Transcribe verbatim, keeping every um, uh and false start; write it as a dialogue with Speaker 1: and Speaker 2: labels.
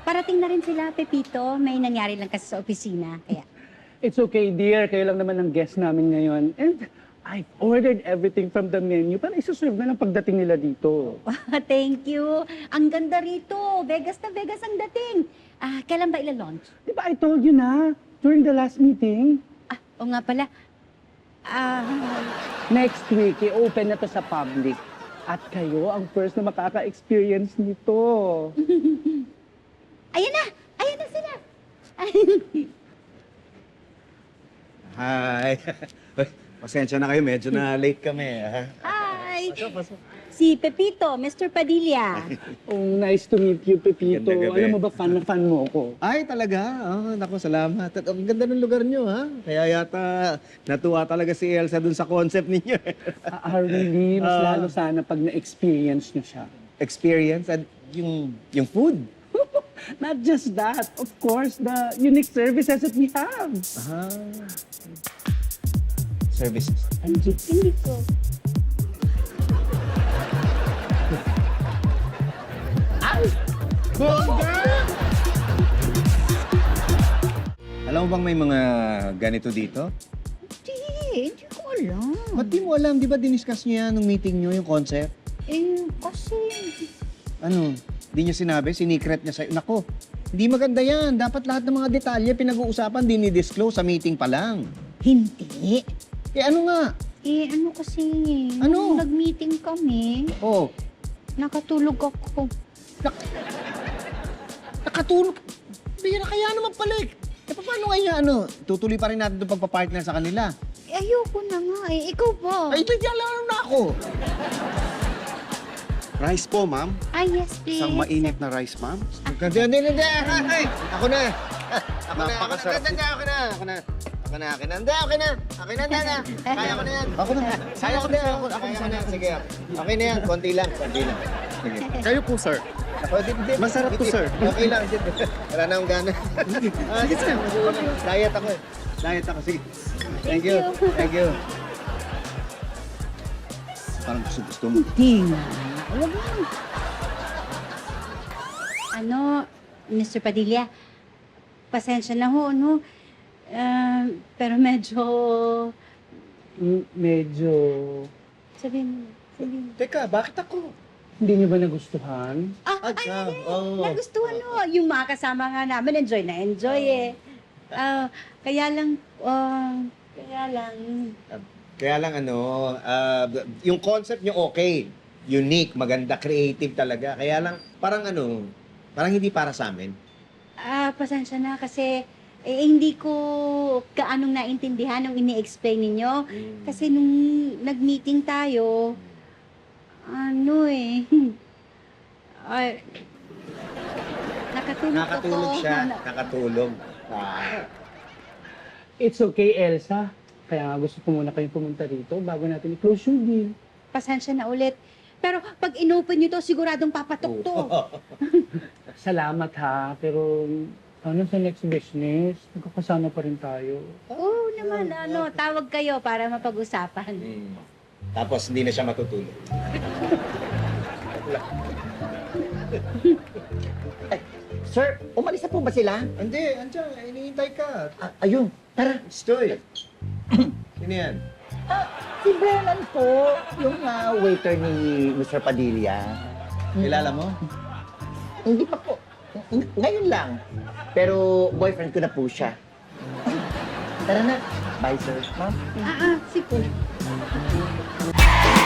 Speaker 1: parating na rin sila, Pepito. May nangyari lang kasi sa opisina, kaya...
Speaker 2: It's okay, dear. Kayo lang naman ang guest namin ngayon. And I've ordered everything from the menu para isuserve na lang pagdating nila dito.
Speaker 1: Thank you. Ang ganda rito. Vegas na Vegas ang dating. Ah, kailan ba ila-launch?
Speaker 2: Di ba I told you na during the last meeting?
Speaker 1: Ah, o nga pala. Ah,
Speaker 2: Next week, i-open na to sa public. At kayo ang first na makaka-experience nito.
Speaker 1: ayan na! Ayan na sila!
Speaker 3: Hi. Uy, pasensya na kayo, medyo na late kami. Ha?
Speaker 1: Hi!
Speaker 3: Pasok, pasok.
Speaker 1: Si Pepito, Mister Padilla.
Speaker 2: Oh, nice to meet you, Pepito.
Speaker 3: Ganda gabi.
Speaker 2: Alam mo ba, fan na fan mo ako.
Speaker 3: Ay, talaga? Oh, naku, salamat. At ang ganda ng lugar nyo, ha? Kaya yata natuwa talaga si Elsa dun sa concept ninyo.
Speaker 2: Ah, really, mas
Speaker 3: Ah.
Speaker 2: lalo sana pag na-experience nyo siya.
Speaker 3: Experience at yung, yung food.
Speaker 2: Not just that, of course, the unique services that we have.
Speaker 3: Ah. Services.
Speaker 2: Andiyan.
Speaker 1: Hindi ko.
Speaker 3: Alam mo bang may mga ganito dito?
Speaker 1: Hindi, hindi ko alam.
Speaker 3: Ba't di mo alam? Di ba diniscuss niyo yan nung meeting niyo, yung concept?
Speaker 1: Eh, kasi...
Speaker 3: Ano? Di niya sinabi? Sinikret niya sa'yo? Nako, hindi maganda yan. Dapat lahat ng mga detalye pinag-uusapan, dinidisclose sa meeting pa lang.
Speaker 1: Hindi.
Speaker 3: Eh ano nga?
Speaker 1: Eh, ano kasi...
Speaker 3: Ano?
Speaker 1: nung nag-meeting kami,
Speaker 3: Oh,
Speaker 1: nakatulog ako.
Speaker 3: nakatulog. Bira, kaya naman pala eh. Eh, paano kaya ano? Tutuloy pa rin natin itong pagpapartner sa kanila.
Speaker 1: Eh, ayoko na nga eh. Ikaw ba?
Speaker 3: Ay, ito, alam na ako.
Speaker 4: Rice po, ma'am.
Speaker 1: Ah, yes, please.
Speaker 4: Isang mainit na rice, ma'am.
Speaker 3: Hindi, hindi, hindi. Ay, ako na. Ako na, ako na.
Speaker 4: Napakasarap.
Speaker 3: Hindi, ako na. Ako na. Ako na, ako na. Hindi, okay na. Okay na, hindi na. Kaya ko na yan. Ako na. Kaya ko na. Ako, ako na. Sige, okay na yan. Konti lang. Konti lang. Sige.
Speaker 4: Kayo po, sir.
Speaker 3: Ako, di, di,
Speaker 4: Masarap to,
Speaker 3: di-
Speaker 4: sir.
Speaker 3: Okay lang. di- Wala na akong gana. Ah, sige, sir. Diet ako eh. Diet ako. Sige. Thank you. Thank you. Parang gusto-gusto mo.
Speaker 1: Hindi nga. Huwag mo. Ano, Mister Padilla, pasensya na ho, no? Ah, pero medyo...
Speaker 2: Mm, Medyo...
Speaker 1: Sabihin mo, sabihin mo.
Speaker 3: Teka, bakit ako?
Speaker 2: Hindi niyo ba nagustuhan?
Speaker 1: Ah,
Speaker 3: Ah,
Speaker 1: ay,
Speaker 3: ah,
Speaker 1: ay,
Speaker 3: oo.
Speaker 1: nagustuhan ho. Yung mga kasama nga namin, enjoy na enjoy eh. Ah, kaya lang, ah, kaya lang...
Speaker 3: Kaya lang ano, ah, yung concept nyo okay. Unique, maganda, creative talaga. Kaya lang, parang ano, parang hindi para sa amin.
Speaker 1: Ah, pasensya na kasi eh, hindi ko kaanong naintindihan nung ini-explain ninyo. Kasi nung nag-meeting tayo, ano eh, ay, nakatulog,
Speaker 3: Nakatulog
Speaker 1: ako.
Speaker 3: siya,
Speaker 1: Na-
Speaker 3: nakatulog. Ah.
Speaker 2: It's okay, Elsa. Kaya nga gusto ko muna kayong pumunta rito bago natin i-close yung deal.
Speaker 1: Pasensya na ulit. Pero pag inopen nyo to, siguradong papatok to.
Speaker 2: Salamat ha, pero ano sa next business? Magkakasama pa rin tayo.
Speaker 1: Oo naman, ano, tawag kayo para mapag-usapan.
Speaker 3: Hmm. Tapos hindi na siya matutulog.
Speaker 5: Sir, umalis na po ba sila?
Speaker 3: Hindi, andyan, inihintay ka.
Speaker 5: Ah, ayun, tara.
Speaker 3: Stoy. Sino yan?
Speaker 5: Ah, si Brennan po, yung ah, waiter ni Mister Padilla.
Speaker 3: Kilala mo?
Speaker 5: Hindi pa po. Ng- Ngayon lang. Pero boyfriend ko na po siya. Tara na. Bye, sir. Ma'am.
Speaker 1: Ah, ah, sige.